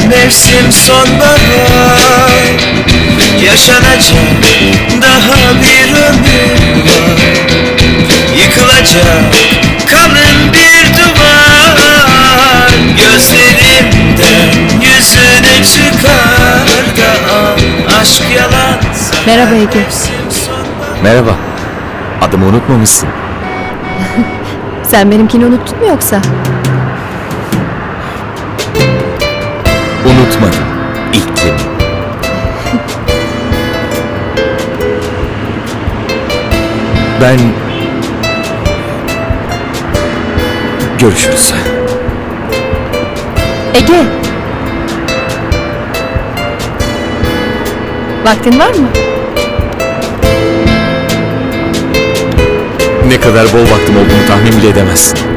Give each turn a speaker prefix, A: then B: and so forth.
A: Mevsim sonbahar, yaşanacak daha bir ömür var. Yıkılacak kalın bir duvar, gözlerimden yüzüne çıkar da aşk yalan.
B: Merhaba Ege.
C: Merhaba. Adımı unutmamışsın.
B: Sen benimkini unuttun mu yoksa?
C: Unutmadım. İlkim. Ben... Görüşürüz.
B: Ege. Vaktin var mı?
C: Ne kadar bol vaktim olduğunu tahmin bile edemezsin.